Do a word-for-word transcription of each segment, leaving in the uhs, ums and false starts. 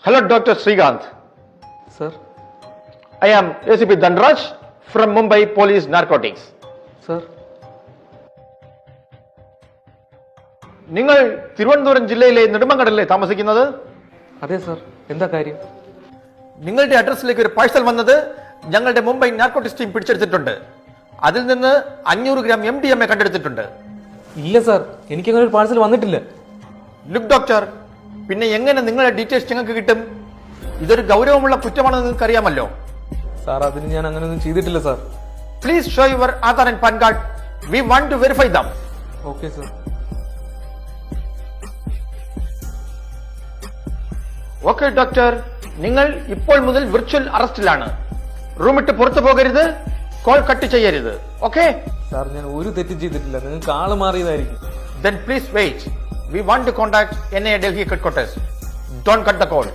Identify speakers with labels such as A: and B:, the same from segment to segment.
A: Hello, Doctor Srikanth.
B: Sir.
A: I am A C P Dhanraj from Mumbai Police Narcotics.
B: Sir.
A: നിങ്ങൾ തിരുവനന്തപുരം ജില്ലയിലെ നെടുമങ്ങാടല്ലേ താമസിക്കുന്നത്?
B: അതെ sir. എന്താ കാര്യം?
A: നിങ്ങളുടെ അഡ്രസ്സിലേക്ക് ഒരു പാഴ്സൽ വന്നത് ഞങ്ങളുടെ മുംബൈ നാർക്കോട്ടിക്സ് ടീം പിടിച്ചെടുത്തിട്ടുണ്ട്. അതിൽ നിന്ന് അഞ്ഞൂറ് gram M D M A കണ്ടെടുത്തിട്ടുണ്ട്.
B: ഇല്ല സർ, എനിക്കങ്ങനെ ഒരു പാഴ്സൽ വന്നിട്ടില്ല.
A: ലുക്ക് ഡോക്ടർ, പിന്നെ എങ്ങനെ നിങ്ങളുടെ ഡീറ്റെയിൽസ് ഞങ്ങൾക്ക് കിട്ടും? ഇതൊരു ഗൗരവമുള്ള കുറ്റമാണെന്ന് നിങ്ങൾക്ക് അറിയാമല്ലോ.
B: സാർ, അതിന് ഞാൻ അങ്ങനെയൊന്നും ചെയ്തിട്ടില്ല sir.
A: Please show your Aadhaar and PAN card. We want to verify them.
B: Okay sir.
A: Okay doctor, നിങ്ങൾ ഇപ്പോൾ മുതൽ വിർച്വൽ അറസ്റ്റിലാണ്. റൂമിട്ട് പുറത്തു പോകരുത്, കോൾ കട്ട് ചെയ്യരുത്. ഓക്കെ
B: സാർ, ഞാൻ ഒരു തെറ്റും ചെയ്തിട്ടില്ല. നിങ്ങൾക്ക് ആള് മാറിയതായിരിക്കും.
A: Then please wait. We want to contact N I A Delhi headquarters. Don't cut the call.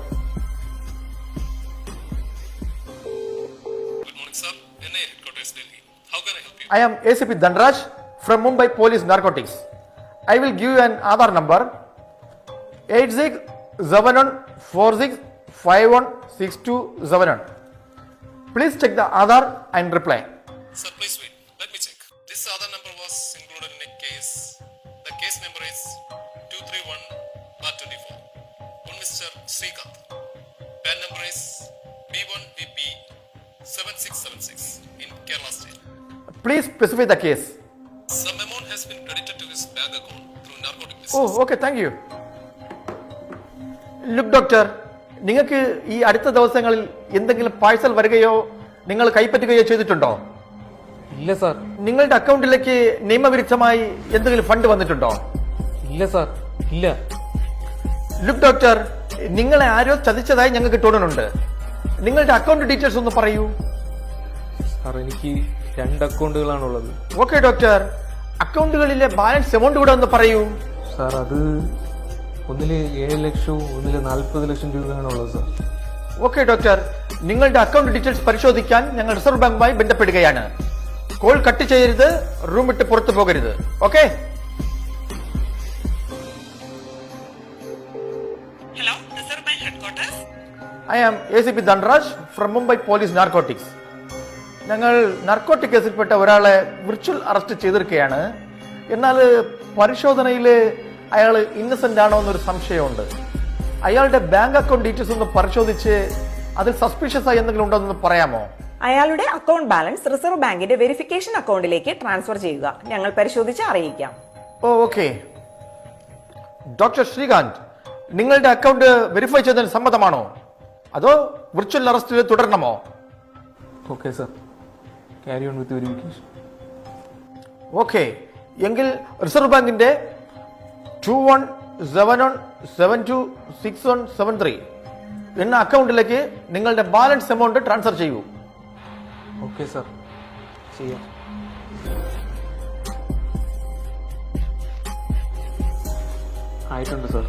C: Good morning, sir. N I A headquarters, Delhi. How can I help you?
A: I am A C P Dhanraj from Mumbai Police Narcotics. I will give you an Aadhaar number eight six seven one four six five one six two seven one. Please check the Aadhaar and reply.
C: Sir, please wait. Let me check. This other number was included in a case. The case number is two three one bar twenty-four. One Mister Srikanth. P A N number is B one V P seven six seven six in Kerala State.
A: Please specify the case.
C: Some amount has been credited to his bank account through narcotic business.
A: Oh, okay, thank you. Look doctor, നിങ്ങൾക്ക് ഈ അടുത്ത ദിവസങ്ങളിൽ എന്തെങ്കിലും parcel വരികയോ നിങ്ങൾ കൈപ്പറ്റുകയോ ചെയ്തിട്ടുണ്ടോ?
B: ഇല്ല sir.
A: നിങ്ങളുടെ അക്കൗണ്ടിലേക്ക് നിയമവിരുദ്ധമായി എന്തെങ്കിലും ഫണ്ട് വന്നിട്ടുണ്ടോ?
B: ഇല്ല സാർ, ഇല്ല.
A: ലുക്ക് ഡോക്ടർ, നിങ്ങളെ ആരോ ചതിച്ചതായി ഞങ്ങൾക്ക് തോന്നുന്നുണ്ട്. നിങ്ങളുടെ അക്കൗണ്ട് ഡീറ്റെയിൽസ് ഒന്ന് പറയൂ.
B: സാർ, എനിക്ക് രണ്ട് അക്കൗണ്ടുകളാണുള്ളത്.
A: ഓക്കെ ഡോക്ടർ, അക്കൗണ്ടുകളിലെ ബാലൻസ് എമൗണ്ട് കൂടെ ഒന്ന് പറയൂ.
B: സാർ, അത് ഒന്നില് ഏഴ് ലക്ഷവും ഒന്നില് നാൽപ്പത് ലക്ഷം രൂപയാണുള്ളത് സാർ.
A: ഓക്കെ ഡോക്ടർ, നിങ്ങളുടെ അക്കൗണ്ട് ഡീറ്റെയിൽസ് പരിശോധിക്കാൻ ഞങ്ങൾ റിസർവ് ബാങ്കുമായി ബന്ധപ്പെടുകയാണ്. കോൾ കട്ട് ചെയ്യരുത്, റൂം വിട്ട് പുറത്തു പോകരുത്. Okay?
D: Hello, Reserve Bank headquarters.
A: I am A C P Dhanraj from Mumbai police narcotics. ഞങ്ങൾ നാർക്കോട്ടിക് കേസിൽപ്പെട്ട ഒരാളെ വിർച്വൽ അറസ്റ്റ് ചെയ്തിരിക്കുകയാണ്. എന്നാൽ പരിശോധനയിൽ അയാൾ ഇന്നസെന്റ് ആണോ എന്നൊരു സംശയമുണ്ട്. അയാളുടെ ബാങ്ക് അക്കൗണ്ട് ഡീറ്റെയിൽസ് ഒന്ന് പരിശോധിച്ച് അതിൽ സസ്പീഷ്യസ് ആയി എന്തെങ്കിലും ഉണ്ടോ എന്ന് പറയാമോ?
D: അയാളുടെ അക്കൗണ്ട് ബാലൻസ് റിസർവ് ബാങ്കിന്റെ വെരിഫിക്കേഷൻ അക്കൗണ്ടിലേക്ക് ട്രാൻസ്ഫർ ചെയ്യുക. ഞങ്ങൾ പരിശോധിച്ച് അറിയിക്കാം.
A: ഓ ഓക്കെ. ഡോക്ടർ ശ്രീകാന്ത്, നിങ്ങളുടെ അക്കൗണ്ട് വെരിഫൈ ചെയ്തതിന് സമ്മതമാണോ, അതോ വിർച്വൽ അറസ്റ്റിൽ തുടരണമോ?
B: Okay sir, carry on with verification.
A: Okay, എങ്കിൽ റിസർവ് ബാങ്കിന്റെ two one seven one seven two six one seven three എന്ന അക്കൗണ്ടിലേക്ക് നിങ്ങളുടെ ബാലൻസ് എമൗണ്ട് ട്രാൻസ്ഫർ ചെയ്യൂ.
B: ഓക്കെ സാർ, ചെയ്യാം. ആയിട്ടുണ്ട് സാർ.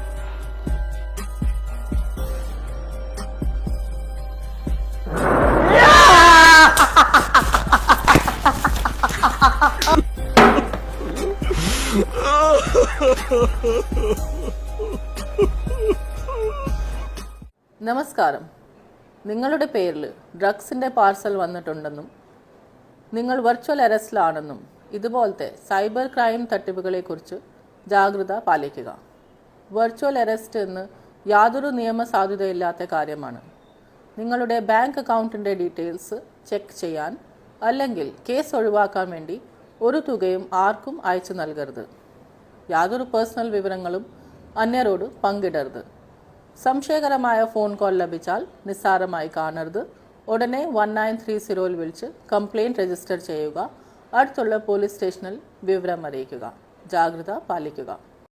E: നമസ്കാരം. നിങ്ങളുടെ പേരിൽ ഡ്രഗ്സിൻ്റെ പാർസൽ വന്നിട്ടുണ്ടെന്നും നിങ്ങൾ വെർച്വൽ അറസ്റ്റിലാണെന്നും ഇതുപോലത്തെ സൈബർ ക്രൈം തട്ടിപ്പുകളെക്കുറിച്ച് ജാഗ്രത പാലിക്കുക. വെർച്വൽ അറസ്റ്റ് എന്ന് യാതൊരു നിയമസാധുതയില്ലാത്ത കാര്യമാണ്. നിങ്ങളുടെ ബാങ്ക് അക്കൗണ്ടിൻ്റെ ഡീറ്റെയിൽസ് ചെക്ക് ചെയ്യാൻ അല്ലെങ്കിൽ കേസ് ഒഴിവാക്കാൻ വേണ്ടി ഒരു തുകയും ആർക്കും അയച്ചു നൽകരുത്. യാതൊരു പേഴ്സണൽ വിവരങ്ങളും അന്യരോട് പങ്കിടരുത്. സംശയകരമായ ഫോൺ കോൾ ലഭിച്ചാൽ നിസ്സാരമായി കാണരുത്. ഉടനെ വൺ നയൻ ത്രീ സീറോയിൽ വിളിച്ച് കംപ്ലയിൻറ്റ് രജിസ്റ്റർ ചെയ്യുക. അടുത്തുള്ള പോലീസ് സ്റ്റേഷനിൽ വിവരം അറിയിക്കുക. ജാഗ്രത പാലിക്കുക.